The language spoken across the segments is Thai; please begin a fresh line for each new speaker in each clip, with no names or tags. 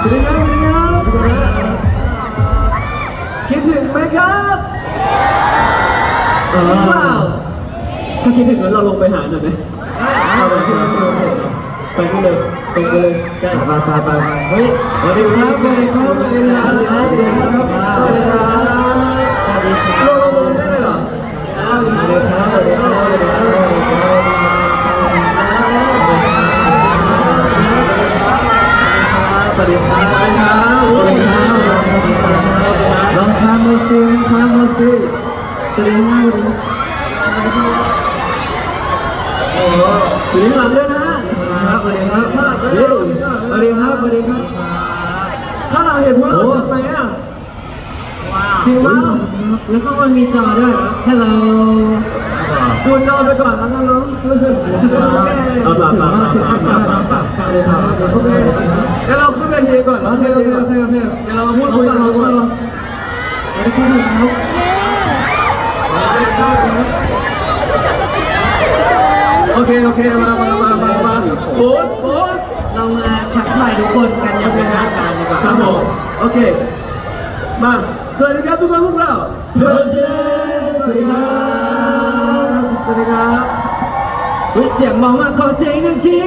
วัสดีครับสวัสดีครับคิดถึงไหมครับจริงเปล่า
ถ้าคิดถึงงั้นเราลงไปหาหน่อยไหมเอาไปที่เราเซลล์ไปกันเลยตรงไปเลยใช่
ไป
เฮ้ย
สวัสดีครับสวัสดีครับสวัสดีครับสวัสดีครับสวัสดีครับ
สวัสดีครับ
ลงได้เลยเหรอ
สวัสดีครับสวัสดีครับสวัสดีครับสวัสดีครับสวัสดีครับ
ลองทำมาสิสวัสดีครับ
โอ้อยู่ที่หลังด้วยนะ
สวัสดีครับสวัสดีครับถ้าเราเห็นพวกเราชัดไหมอ่ะจริงมั้ย
แล้วข้างบนมีจอด้วย Hello
ดูจอไปก่อนแล้วกันเนาะโอเคงั้นเราขึ้นเวทีก่อนโอเคเดี๋ยวเรามาพูดคุยกันก่อนโอเคมาโพส
เรามาทักทายทุกคนกันอย่างเป็นทางการดีกว่า
ครับผมโอเคมาสวัสดีครับทุกคนพวกเรา
เพอร์เซสวัสดีครับวิเสียงมองมาขอเสียงหนึ่งที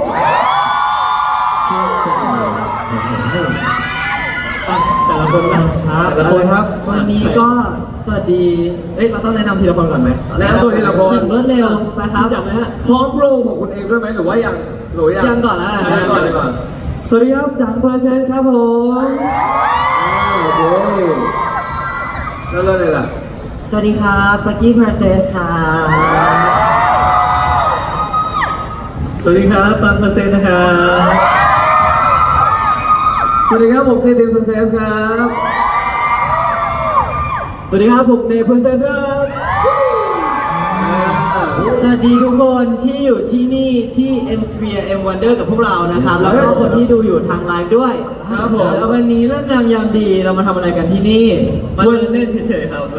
แต่ละคนนะครับ
แต่ละคนครับ
วันนี้ก็สวัสดีเราต้องแนะนำทีละคนก่อนไหม
แนะนำตัวทีละคน
อย่างรวดเร็วนะครับ
จับไหมฮะพร้อมโปรของคุณเองด้วยไหมหรือว่ายัง
ก่อนแล้ว
ยังก่อนดีกว่าสวัสดีครับจังเพอร์เซสครับผมโอเคแล้วเลยล่ะ
สวัสดีครับปักกี้เพอร์เซสครับ
สวัสดีครับปังเพอร์เซสนะครับสวัสดีครับผมเต้เพอร์เซสครับ
สวัสดีครับผมเนเพอร์เซสครับสวัสดีทุกคนที่อยู่ที่นี่ที่ M Sphere M Wonder กับพวกเรานะครับแล้วก็คนที่ดูอยู่ทางไลฟ์ด้วย
ครับผม
แล้ววันนี้เรื่องงามยามดีเรามาทำอะไรกันที่นี่
มาเดินเล่นเฉยๆครับ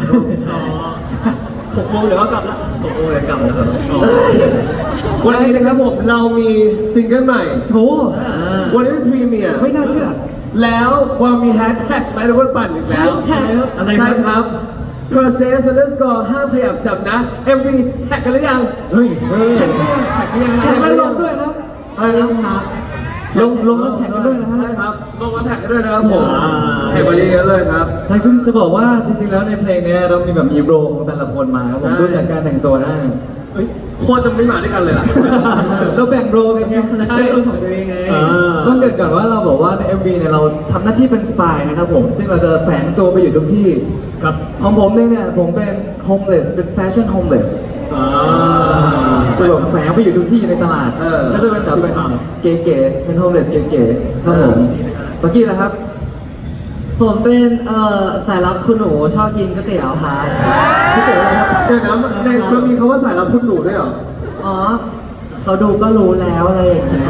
6 โมงเดี๋ยวก็กลับแล้ว
6 โมงเดี๋ยวกลับแล้วครับวันนี้นะครับผมเรามีซิงเกิลใหม่โถวันนี้เป็นพรีเมียร์
ไม่น่าเชื่อ
แล้วว่ามีแฮชแท็กไหมทุกคนปั่นอีกแล้ว
ใช่
ครับ process underscore ห้ามขยับจับนะ MV แท็กกันหรือยัง
เฮ้ย
แท็กแล้วลงด้วยนะ
ลงครับลงแล้วแท็กกันด้วยนะ
ใช่ครับลงแล้วแท็กกันด้วยนะครับผมแท็กมาเยอะๆเลยครับ
ใช่คือจะบอกว่าจริงๆแล้วในเพลงนี้เรามีแบบมีโรของแต่ละคนมาครับผมดูจากการแต่งตัวได้
โคตรจะไม่มาด้วยกันเลยล่ะ
เราแบ่งโรกันไงคาแรคเตอร์ของตัวเองไงต้องเกิดก่อนว่าเราบอกว่าใน MV เนี่ยเราทำหน้าที่เป็นสปายนะครับผมซึ่งเราจะแฝงตัวไปอยู่ทุกที่
ครับ
ของผมเนี่ยผมเป็นโฮมเลสเป็นแฟชั่นโฮมเลสจะแบบแฝงไปอยู่ทุกที่ในตลาดก็จะเป็นแบบเก๋ๆเป็นโฮมเลสเก๋ๆครับผมเมื่อกี้นะครับ
ผมเป็นสายลับคุณหนูชอบกินก๋วยเตี๋ยวค่ะ
ก๋วยเตี๋ยวอะไรครับเดี๋ยวนะในมันมีคำว่าสายลับคุณหนูด้วยเหรอ
อ๋อเขาดูก็รู้แล้วอะไรอย่างเงี้ย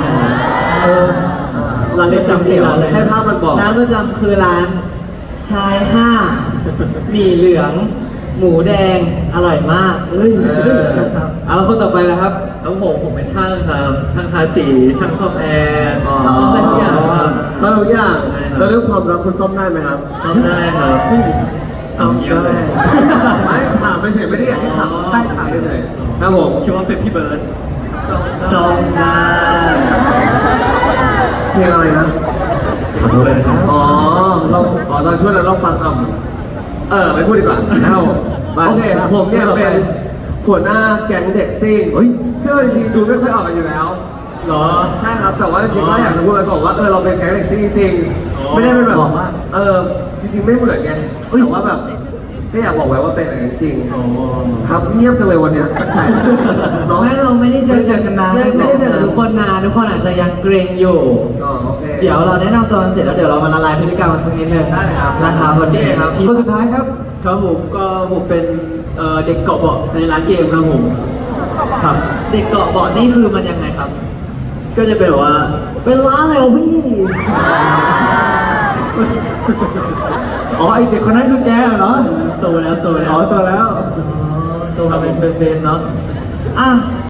ร้านประจำที่ร้านอะไรให้ภาพมันบอก
ร้านประจำคือร้านชาย5หมี่เหลืองหมูแดงอร่อยมาก
ครับแล้วคนต่อไปนะครับ
แล้วผมเป็นช่างครับช่างทาสีช่างซ่อมแอร์ซ่อมได้ทุกอย่างครับซ่อมทุกอย่างแล้วเรื่องความรักคุณซ่อมได้ไหมครับซ่อมได้ครับซ่อมได้ไม่ถามไม่เฉยไม่ได้อยากให้ถามใช่ถามไม่เฉยครับผมคิดว่าเป็นพี่เบิร์ดซ่อมได้เพลงอะไรนะขอโทษเลยครับตอนช่วยเราฟังไม่พูดดีกว่าโอเคผมเนี่ยเป็นหัวหน้าแก๊งเด็กซิ่งเชื่อจริงๆดูไม่ค่อยออกกันอยู่แล้ว
หรอ
ใช่ครับแต่ว่าจริงๆก็อยากจะพูดไปก่อนว่าเราเป็นแก๊งเด็กซิ่งจริงๆไม่ได้เป็นแบบจริงๆไม่เหมือนไงแต่ว่าแบบก็อยากบอกไว้ว่าเป็นอะไรจริงครับเงียบจังเลยวันนี้
น้องให้เราไม่ได้เจอกันนานไม่ได้เจอทุกคนนานทุกคนอาจจะยังเกรงอยู่เดี๋ยวเราแนะนำตัวกันเสร็จแล้วเดี๋ยวเรามาละลายพฤติกรรมกันสักนิดนึงนะครับวันนี้ครับ
คนสุดท้ายครับ
ผมเป็นเด็กเกาะเบาะในร้านเกมครับผมครับเด็กเกาะเบาะนี่คือมันยังไงครับ
ก็จะเป็นว่า
เป็นร้านอะไรของพี่
ไอเด็กคนนั้นคือแกเหรอ
โตแล้ว
อ๋อโตแล้ว
โตมาเป็นเปอร์เซ็นต์เนาะ